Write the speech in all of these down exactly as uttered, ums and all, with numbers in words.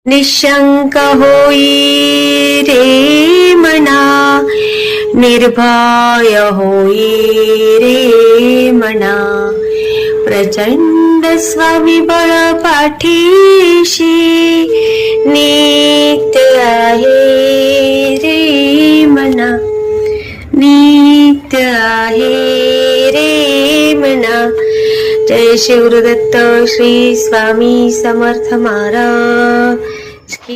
निशंक होई रे मना, निर्भय होई रे मना, प्रचंड स्वविबळ पाठीशी नित्य आहे रे मना, नित्य आहे रे मना. जय शिवदत्त श्री स्वामी समर्थ महाराज की.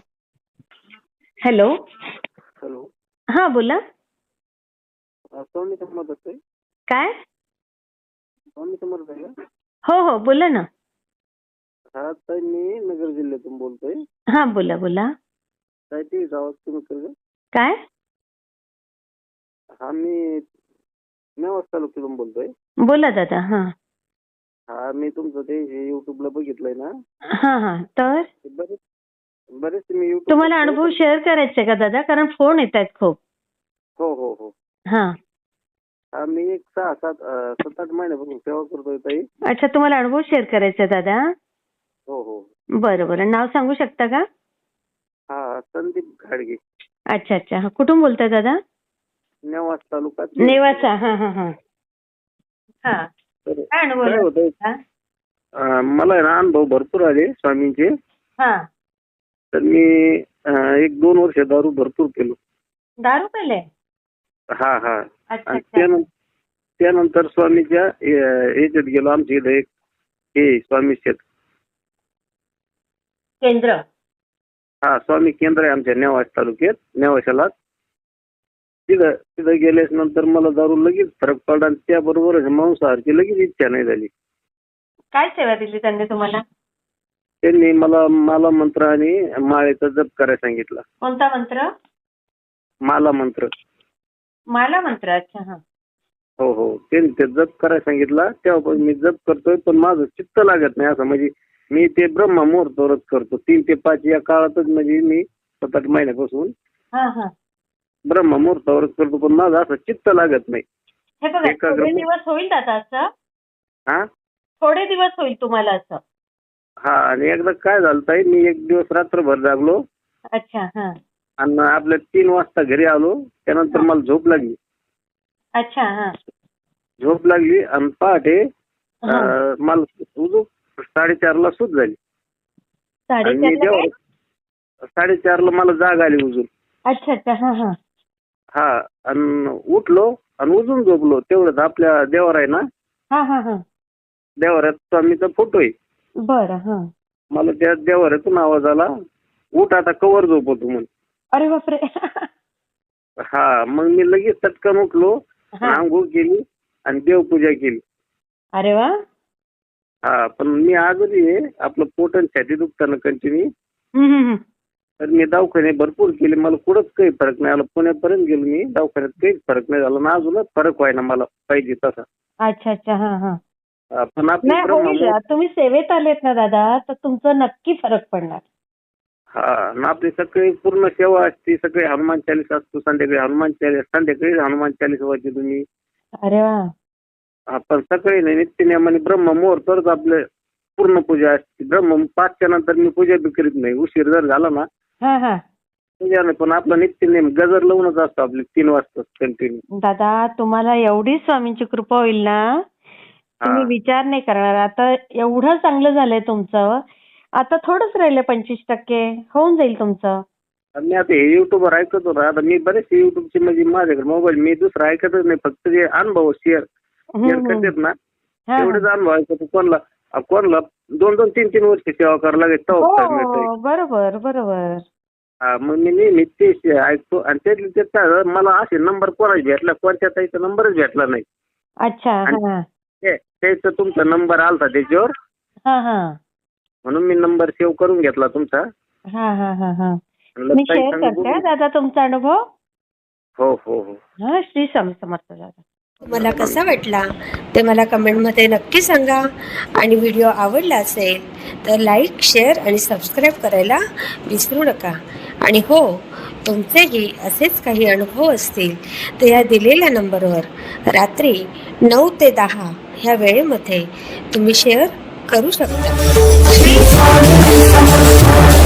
Hello hello. हा बोला. स्वामी समर्थ आहे. काय? स्वामी समर्थ आहे का? हो हो बोला ना. हा ताई, मी नगर जिल्ह्यातून बोलतोय. हा बोला बोला. काय ते गावात तुम्ही कर काय? हा मी नेवास तालुक्यातून बोलतोय. बोला दादा. हा हा मी तुमचं ते युट्यूबला बघितलंय ना. हा हा तर ते बरेच बरेच मी YouTube तुम्हाला अनुभव शेअर करायचे का दादा? कारण फोन येत आहेत खूप. हो हो हो. हा हा मी एक सहा सात अं, सात आठ महिन्यापासून सेवा करतोय ताई. अच्छा, तुम्हाला अनुभव शेअर करायचा दादा? हो हो. बरं बरं. नाव सांगू शकता का? हा संदीप घाडगे. अच्छा अच्छा. हा कुठून बोलताय दादा? नेवास तालुका. नेवासा. हा हा हा हा. तर काय अनुभव काय होतंय, हा? अं, मला आहे ना अनुभव भरपूर आले स्वामींचे. हा. तर मी अं, एक दोन वर्ष दारू भरपूर केलो. दारू पेले? हा हा. अच्छा आणि अच्छा. त्यानं- त्यानंतर स्वामीच्या अं, याच्यात गेलो. आमच्या इथे एक हे स्वामी शेत केंद्र. हा स्वामी केंद्र आहे आमच्या नेवास तालुक्यात, नेवाशाला. तिथं तिथं गेल्यास नंतर मला दारू लगेच फरक पडला आणि त्याबरोबर मांसाहारची लगेच इच्छा नाही झाली. काय सेवा दिली त्यांनी तुम्हाला? त्यांनी मला माला मंत्र आणि माळेचा जप करायला सांगितला. कोणता मंत्र? माला मंत्र. माला मंत्र. अच्छा. हा. हो हो. त्यांनी ते जप करायला सांगितला. तेव्हापासून मी जप करतोय, पण माझं चित्त लागत नाही. असं म्हणजे मी ते ब्रह्म मुहूर्तावरच करतो. तीन ते पाच या काळातच म्हणजे मी सात आठ महिन्यापासून हा हा. ब्रह्म मुहूर्तावरच करतो, पण माझं असं चित्त लागत नाही. हे बघा, एकाग्र- थोडे दिवस होईल दादा असं. हा थोडे दिवस होईल तुम्हाला असं. हा. आणि एकदा काय झालं ताई, मी एक दिवस रात्रभर जागलो अच्छा. हा. आणि आपल्या तीन वाजता घरी आलो. त्यानंतर मला झोप लागली. अच्छा. हा. झोप लागली आणि पहाटे हा. अं, मला उजू साडेचारला सूज झाली. आणि मी साडेचारला काय? जेव्हा साडेचारला मला जाग आली उजून. अच्छा अच्छा. हा हा. हा. आणि उठलो आणि उजून झोपलो. तेवढंच आपल्या देवार आहे ना, हा हा हा. देवाऱ्यात स्वामीचा फोटो आहे. बरं. हा. मला त्या देवाऱ्यातून आवाज आला, उठ आता कवर झोपवतो म्हणून. अरे बापरे. हा. मग मी लगेच चटकन उठलो, हा. आंघोळ केली आणि देवपूजा केली. अरे वा. हा. पण मी आजही आहे आपलं पोट आणि छाती दुखताना कंटिन्यू. हम्म, हम्म, हम्म. तर मी दवाखाने भरपूर केले, मला कुठंच काही फरक नाही आला. पुण्यापर्यंत गेलो मी, दवाखान्यात काहीच फरक नाही झाला ना. अजूनच फरक व्हायना मला पाहिजे तसा. अच्छा अच्छा. हा हा. हा, पण आपली नाही होईल. ब्रह्म तुम्ही सेवेत आलेत ना दादा, तर तुमचं नक्की फरक पडणार. हा. आणि आपली सगळी पूर्ण सेवा असते. सगळे हनुमान चालीस असतो. संध्याकाळी हनुमान चालीस, संध्याकाळी हनुमान चालीस वाचते तुम्ही. अरे वा. आपण सकाळी नाही नित्यनियमाने ब्रह्म मुहूर्तावरच आपले पूर्ण पूजा असते. ब्रह्म पाचच्या नंतर मी पूजा बी करीत नाही. उशीर जर झाला ना हा हा. पूजा नाही, पण आपला नित्यनियम गजर लावूनच असतो आपली तीन वाजता कंटिन्यू. दादा, तुम्हाला एवढी स्वामींची कृपा होईल ना, तुम्ही विचार नाही करणार. आता एवढं चांगलं झालंय तुमचं. आता थोडंच राहिलं, पंचवीस टक्के होऊन जाईल तुमचं. आणि मी आता हे युट्यूबवर ऐकत होतो. आता मी बरेचसे युट्यूबचे म्हणजे माझ्याकडे मोबाईल, मी दुसरं ऐकतच नाही. फक्त जे अनुभव शेअर शेअर करतात ना, हा. तेवढेच अनुभव ऐकतो. कोणला कोणला दोन दोन तीन तीन वर्ष सेवा करायला लागेल तेव्हा फळ मिळतंय. हो, बरोबर बरोबर. हा. मग मी नेहमी ते ऐकतो. आणि त्यातले ते काय मला असे नंबर कोणाच भेटला, कोणत्या ताईचा नंबरच भेटला नाही. अच्छा. हा ते- त्याचा तुमचा नंबर आलता त्याच्यावर, हा हा. म्हणून मी नंबर सेव्ह करून घेतला तुमचा. हा हा हा हा. म्हणलं मी ताई शेअर सांगू करते हा बघू. दादा तुमचा अनुभव. हो हो हो. हा. श्री स्वामी समर्थ दादा. तुम्हाला कसा वाटला ते मला कमेंटमध्ये नक्की सांगा. आणि व्हिडिओ आवडला असेल तर लाईक, शेअर आणि सबस्क्राईब करायला विसरू नका. आणि हो, तुमचेही असेच काही अनुभव असतील तर या दिलेल्या नंबरवर रात्री नऊ ते दहा ह्या वेळेमध्ये तुम्ही शेअर करू शकता.